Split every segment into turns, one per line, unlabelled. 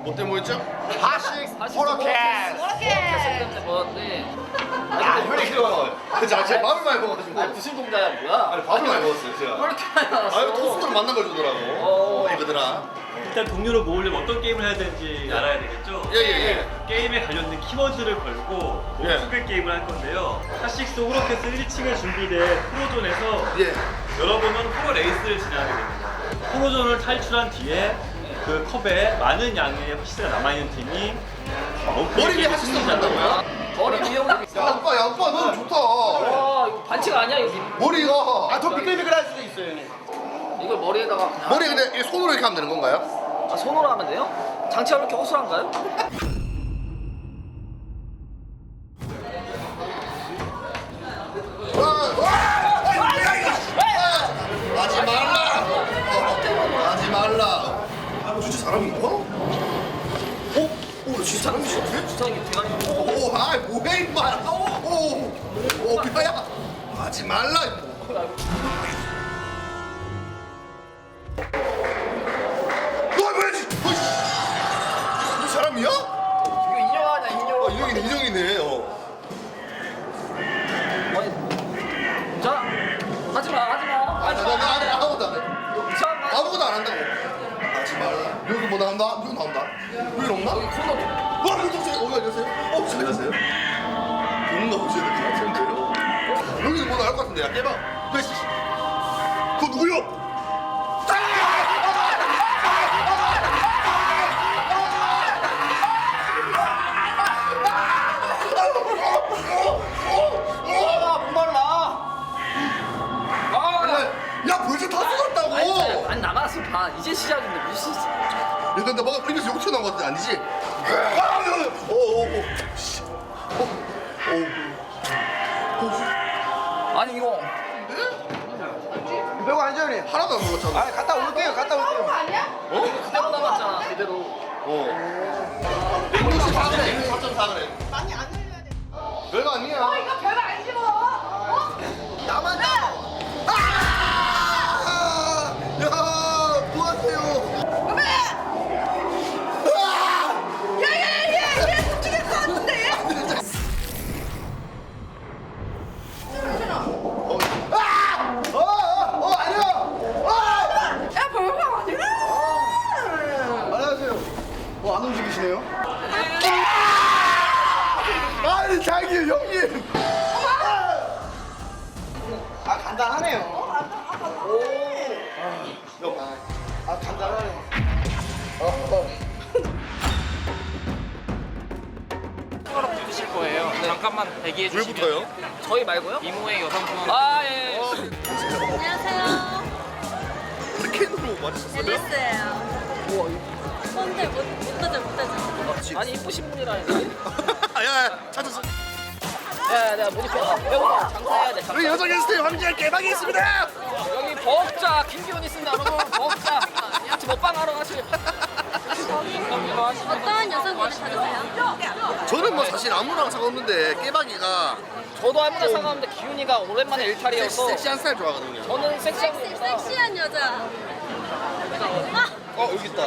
뭐 때문에 했죠?
하식스 호로케스.
때문에 먹었는데.
야, 혈이 길어요. 자, 제가 밥을 많이 먹어가지고.
아니 무슨 동자야 뭐야?
아니, 밥을 많이 먹었어요, 제가.
왜 이렇게 많이 나왔어?
아유, 토스트로 만난 걸 주더라고. 이거더라.
일단 동료를 모으려면 어떤 게임을 해야 되는지 알아야 되겠죠?
예.
게임에 관련된 키워드를 걸고
예.
노트북 게임을 할 건데요. 하식스 호로캐스 1층에 준비된 프로존에서
예.
여러분은 프로 레이스를 진행하게 됩니다. 프로존을 탈출한 뒤에 그 컵에 많은 양의 하식스가 남아있는 팀이
머리 위에 하식스 한다고요?
머리 위에 올리고
야,
있어.
아빠, 너무 좋다.
와 이거 반칙 아니야 이거?
머리가.
아더 미끌미끌할 수도 있어요.
이걸 머리에다가 그냥.
머리 근데 이게 손으로 이렇게 하면 되는 건가요?
아, 손으로 하면 돼요? 장치가 그렇게 허술한가요?
하지 말라. 하지 말라. 진짜 사람인가? 오, 진짜 사람이시네?
진짜 이게 대가리.
오, 아이 뭐해 임마. 오, 뼈야. 하지 말라. 너 뭐지? 너 사람이야?
이거 인형 아니야 인형.
인형이네.
자 하지마.
나 아무것도 안 해.
이상한
아무것도 안 한다고. 하지 말라. 여기 뭐 나온다? 여기 나온다. 여기 없나?
여기 코너.
와, 여기 오세요. 잘 가세요. 겁나 오셔야 될 것 같은데요? 여기도 뭐 나올 것 같은데, 야, 깨봐. 그거 누구요? 야, 벌써 다 쏟았다고!
안 남았어 반. 이제 시작인데 무슨.
야, 근데 뭔가 입에서 욕 튀어나온 것 같은데 아니지?
아니 이거.
별거 아니죠 형님?
하나도 안 먹었잖아.
아 갔다 올게요.
그대로 남았잖아 그대로.
164그래, 164그래.
많이 안 흘려야 돼.
별거 아니야.
이거 별거 아니지 뭐.
나만 나. 야, 뭐 하세요?
어메! 야야야야! 죽일 것 같은데?
아니야.
야 별거 아니야!
안녕하세요. 안 움직이시네요?
아니, 자기 형님.
아 간단하네요. 아 간단하네요.
숟가락 주실 거예요. 잠깐만 대기해 주시면.
왜부터요?
저희 말고요?
이모의 여성분.
아 예.
안녕하세요.
캔으로 맞으셨어요?
앨리스예요. 손들 못하죠.
아니 이쁘신 분이라니까.
야, 찾았어.
야 내가 모니터 배우다 장사해야 돼. 장사.
우리 여성 게스트의 황제할 개방이 있습니다.
여기 버업자 김기훈 있습니다 여러분. 버업자. 같이 먹방하러 가시죠.
어떤 여성분을 찾으세요?
저는 뭐 사실 아무랑 상관없는데 깨박이가
저도 아무나 상관없는데 기훈이가 오랜만에 일탈이어서
섹시한 스타일 좋아하거든요.
저는 섹시한 분입니다.
섹시한 여자.
여기 있다.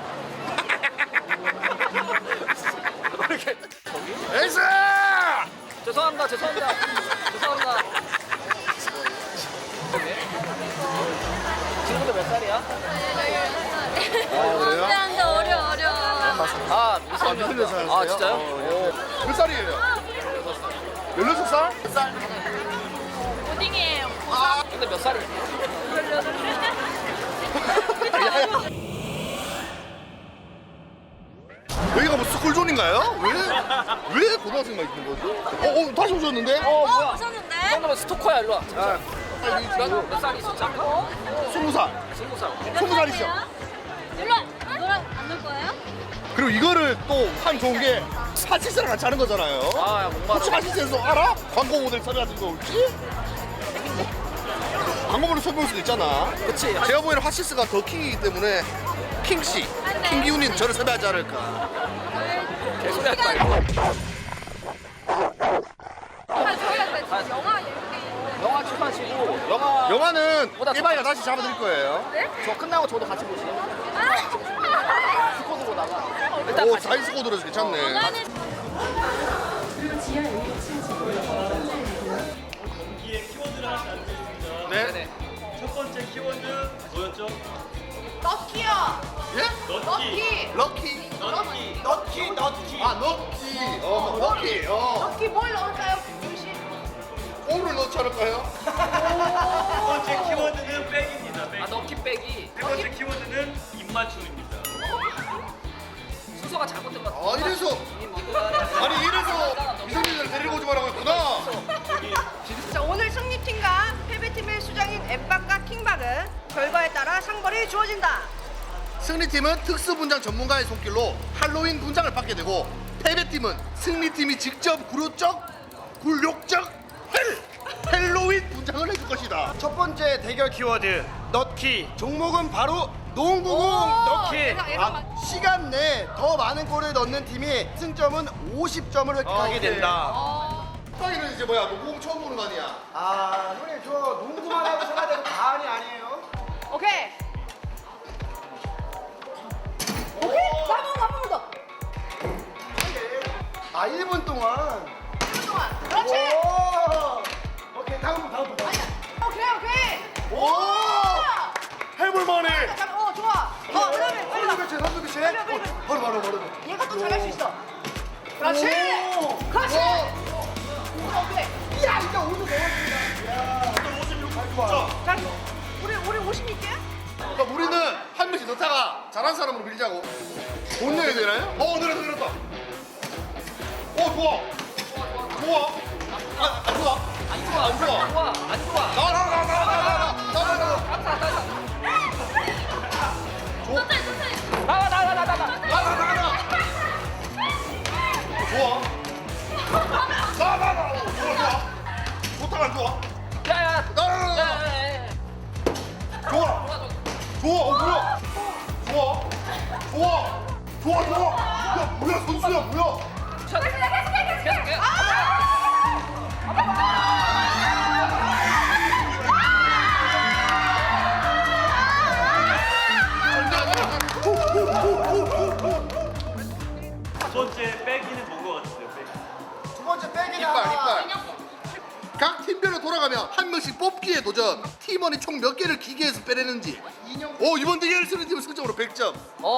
에이스!
죄송합니다. 친구들 몇 살이야?
그래요?
안돼 어려.
아 미성년. 아 진짜요? 오.
몇 살이에요? 16살?
오딩이에요.
근데 몇 살이야?
여기가 뭐 스쿨존인가요? 왜 고등학생만 있는 거지? 다시 오셨는데?
뭐야?
오셨는데?
이 정도면 스토커야 일로 와.
아,
몇 살이 있었지 아까?
20살.
20살.
20살이죠?
일로 와. 너랑 안 놀 거예요?
그리고 이거를 또 한 좋은 게 하치스랑 같이 하는 거잖아요.
아 목마르.
혹시 하치스에서 알아? 광고 모델 섭외하는 거 혹시? 광고 모델 섭외할 수도 있잖아.
그치.
제가 보기에는 하시스가 더 킹이기 때문에 킹씨, 킹기훈님 저를 섭외하지 않을까.
개소리 하지 말고. 영화 출판시고 영화.
영화는
보다
깨방이가 다시 잡아드릴 거예요.
저 끝나고 저도 같이 보시죠. 스쿼드로 나가. 일단
오
같이.
사이즈 코드라서 괜찮네.
나는
경기의 키워드를 하나씩 알려드리겠습니다.
네?
네네.
첫 번째 키워드 뭐였죠?
럭키요.
예?
럭키.
럭키.
럭키.
너키.
아 럭키. 럭키.
럭키 뭘 넣을까요, 김씨?
오를 넣지 않을까요?
첫 번째 키워드는 백입니다. 백.
아 럭키 빼기.
세 번째 키워드는 입맞춤입니다.
순서가 잘못된 것 같아.
아 이래서 아니 이래서 미성년자를 데리고 오지 말라고 했구나.
자, 오늘 승리팀과 패배팀의 수장인 엠박과 킹박은 결과에 따라 상벌이 주어진다.
승리팀은 특수 분장 전문가의 손길로 할로윈 분장을 받게 되고 패배팀은 승리팀이 직접 굴욕적 헬로윈 분장을 해줄 것이다.
첫 번째 대결 키워드 너키. 종목은 바로 농구공
오,
너키.
예상
시간 내에 더 많은 골을 넣는 팀이 승점은 50점을 획득하게
오케이.
된다.
빵이는 이제 뭐야? 농구 처음 보는 거 아니야?
아, 형님 저 농구만 하고 생활해도 다안이 아니에요.
오케이. 오케이. 한번 더.
아, 1분 동안.
1분 동안. 그렇지.
오! 오케이, 다음 분.
오케이.
오! 해볼만해.
잠깐, 좋아. 그다음에 빨리 가.
선수 교체.
빨리.
바로.
얘가 또 잘할 수 있어. 그렇지.
오!
그렇지. 오케이.
야, 이거 오늘 넣었습니다.
자, 우리 56개?
그러니까 우리는 한 명씩 넣다가 잘한 사람으로 밀자고. 못 내야 되나요? 늘었다. 좋아. 안 좋아.
안 좋아.
나가. 좋아. 나. 좋다 안 좋아?
야야.
나. 좋아. 뭐야? 좋아. 야, 뭐야 선수야 뭐야?
계속해.
두 번째 백이는 뭔것 같으세요? 백.
두 번째 백이다.
이빨. 각 팀별로 돌아가면 한 명씩 뽑기에 도전. 팀원이 총 몇 개를 기계에서 빼내는지. 이번 대결 승리팀은 승점으로 100점.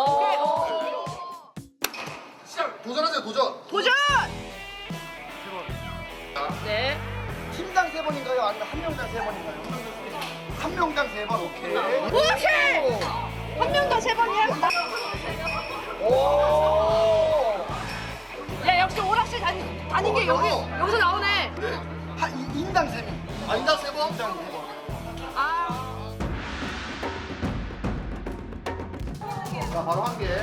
시작. 도전하세요.
도전!
네.
팀당 3번인가요? 아니면 한 명당 3번인가요? 한 명당 3번. 오케이.
오케이! 한 명 더 3번이야.
오!
야, 역시 오락실 다닌 게 여기서 나오네.
인당 3명.
인당 3번?
인당 3번.
자, 바로 한 개.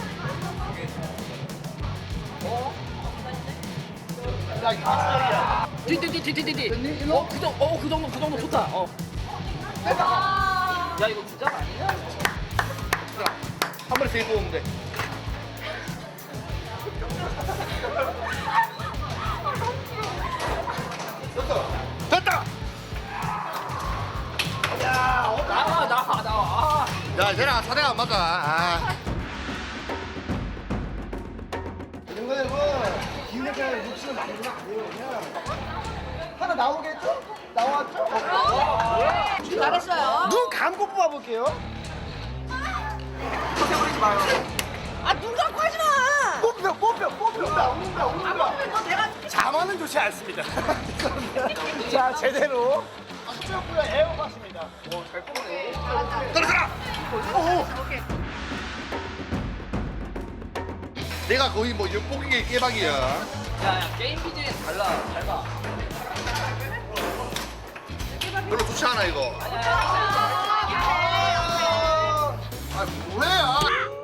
야, 이게 주장이야.
뒤. 그 정도 좋다. 야 이거 주장 아니야?
한 번에 3개 뽑으면 돼. 됐다!
나와.
야, 쟤랑 사대가 안 맞아.
이거는 기획을 욕심을 많이 주면 안 돼요. 그냥 하나 나오겠죠? 나왔죠?
잘했어요.
눈 감고 뽑아볼게요.
아, 눈 감고 하지 마.
뽑혀.
너 내가
자만은 좋지 않습니다. 자, 제대로. 수영구가 에어팟입니다. 잘 뽑네.
떨어져라!
오케이.
내가 거의 뭐 연봉기계 깨박이야.
야 게임 BJ는 달라. 잘 봐.
별로 좋지 않아, 이거. 아, 뭐야?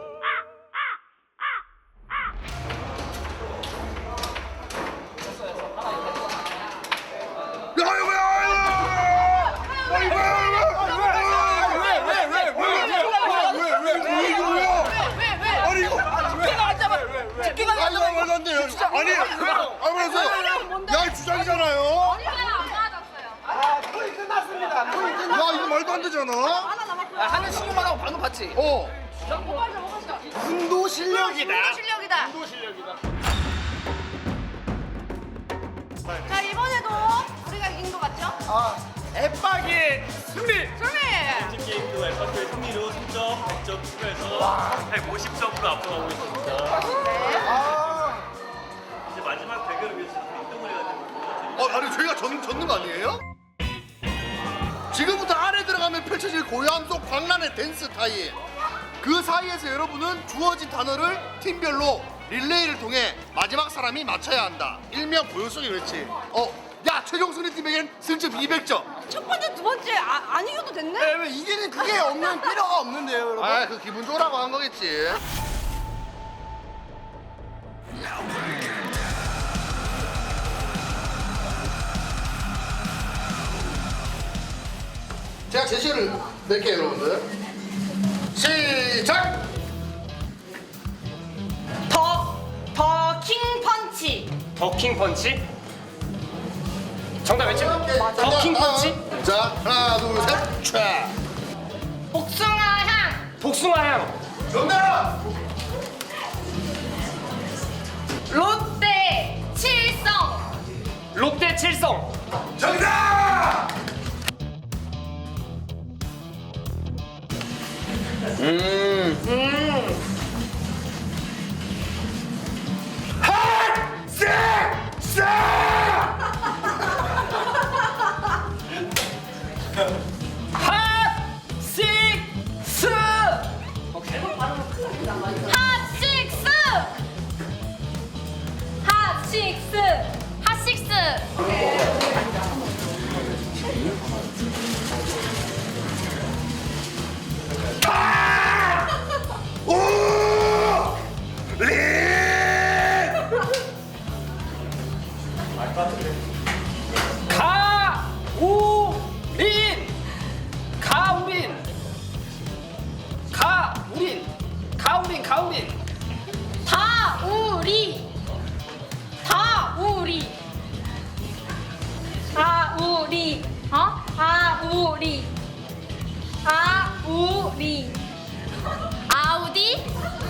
말도 안 돼요. 아니, 야, 이 주장이잖아요.
아, 토이 끝났습니다. 토이 끝났습니다.
야, 이거 말도 안 되잖아.
하는 신용만 하고 방금 봤지?
운도 실력이다.
운도 실력이다. 자, 이번에도 우리가 이긴 것 같죠?
아,
앱박이 승리!
승리!
팀 게임도 엠파크의 승리로 3점, 100점 추가해서 150점으로 앞서가고 있습니다.
아,
이제 마지막 대결을 위해서 1등을 해야 되거든요.
아니 저희가 졌는 거 아니에요? 지금부터 안에 들어가면 펼쳐질 고요함 속 광란의 댄스 타임. 그 사이에서 여러분은 주어진 단어를 팀별로 릴레이를 통해 마지막 사람이 맞춰야 한다. 일명 고요성의 외치. 야 최종 승리팀에겐 승점 200점.
첫 번째, 두 번째 안 이겨도 됐네?
왜 이게는 그게 없는 필요가 없는데요, 여러분.
아 그 기분 좋으라고 한 거겠지. 제가 제시를 낼게요 여러분들. 시작!
더킹 펀치.
더킹 펀치? 정답 외치고 더킹
자,
펀치?
자 하나 둘셋 촤.
복숭아 향.
복숭아 향
정답!
롯데 칠성.
롯데 칠성
정답!
핫식스.
핫식스. 핫식스. 핫식스.
가우린.
다우리. 아우리. 아우리. 아우디.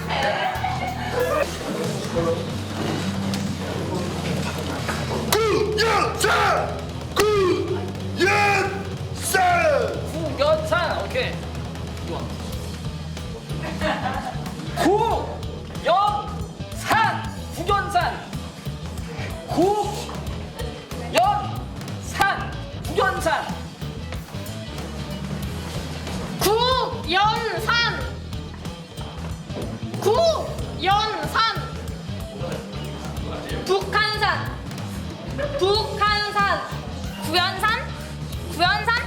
구연산. 오케이. 좋아.
구연산. 북한산. 구연산.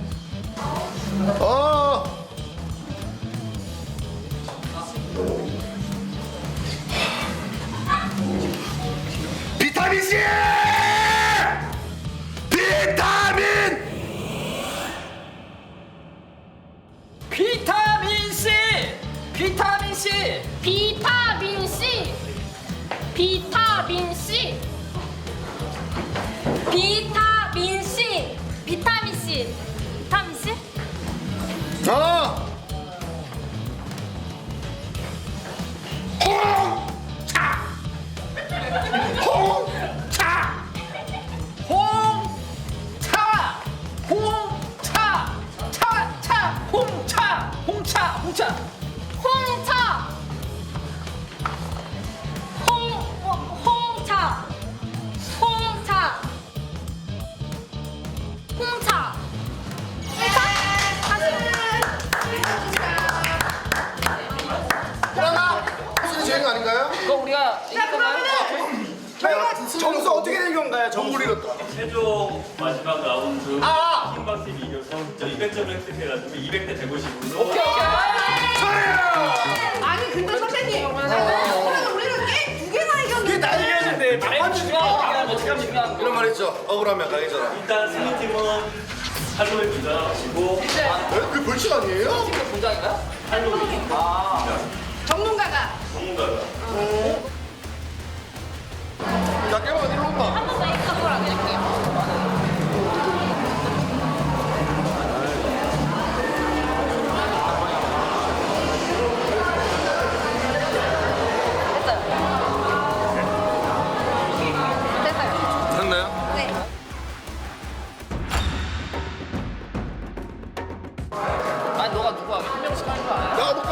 비타민 C!
비타민 C.
그러나 무슨 제행 아닌가요?
그거 우리가 이긴 건가요?
점수 어떻게 된 건가요? 점수
최종 마지막 라운드 팀박팀이 이겨서 200점을 획득해가지고 200대 150으로
오케이.
아니 근데 선생님. 우리는 게임 두 개나 이겼는데.
나 이겼는데
아니 중요한 거 어떻게 하면 중요한 거.
이런 말 했죠. 억울하면 강해져라.
일단 승리팀은 할로윈 분장하시고
그 벌칙 아니에요?
분장인가요?
할로윈
전문가가.
전문가가
야 깨봐 일로 온다.
한 번 더 이쪽으로 안 드릴게요.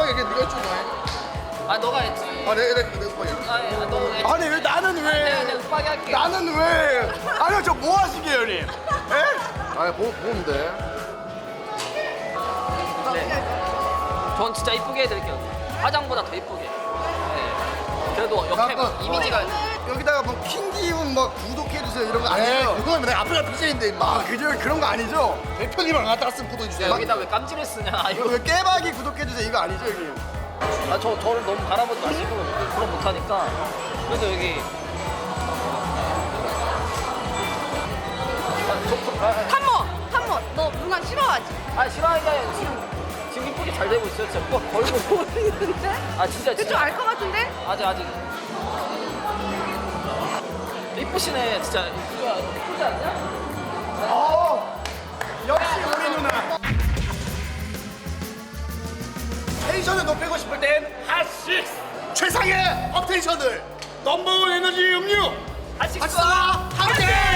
급하게 얘기해. 네가 했잖아.
아 너가 했지.
아 내가 급하게.
너 했지.
아니 왜 나는
내가
왜?
급하게 할게.
나는 왜? 아니 저 뭐 하시게요, 형님? 에?
아 보면 돼.
네. 전 진짜 이쁘게 해드릴게요. 화장보다 더 이쁘게. 네. 그래도 옆에
잠깐.
이미지가
여기다가 뭐 킹기운 뭐 구독해주세요 이런 거
에이
아니에요?
그거는 내가 앞에가 BJ인데 임마.
아 그죠? 그런 거 아니죠?
대표님이랑 갖다 왔으면 구독해주세요.
여기다 왜 깜지를 쓰냐.
이거 왜 깨박이 구독해주세요 이거 아니죠, 형님?
저를 너무 바라보지 마시고 그럼 못하니까. 그래서 여기
탐모, 너 누나 싫어하지?
싫어하니까 지금 이쁘게 잘 되고 있어요. 진짜 뭐 걸고
보이는데?
아 진짜
대충 알 것 같은데?
아직 이쁘시네 진짜. 이쁘지 않냐?
역시 우리 누나. 텐션을 높이고 싶을 땐 핫식스.
최상의 업텐션을
넘버원 에너지 음료.
핫식스
함께.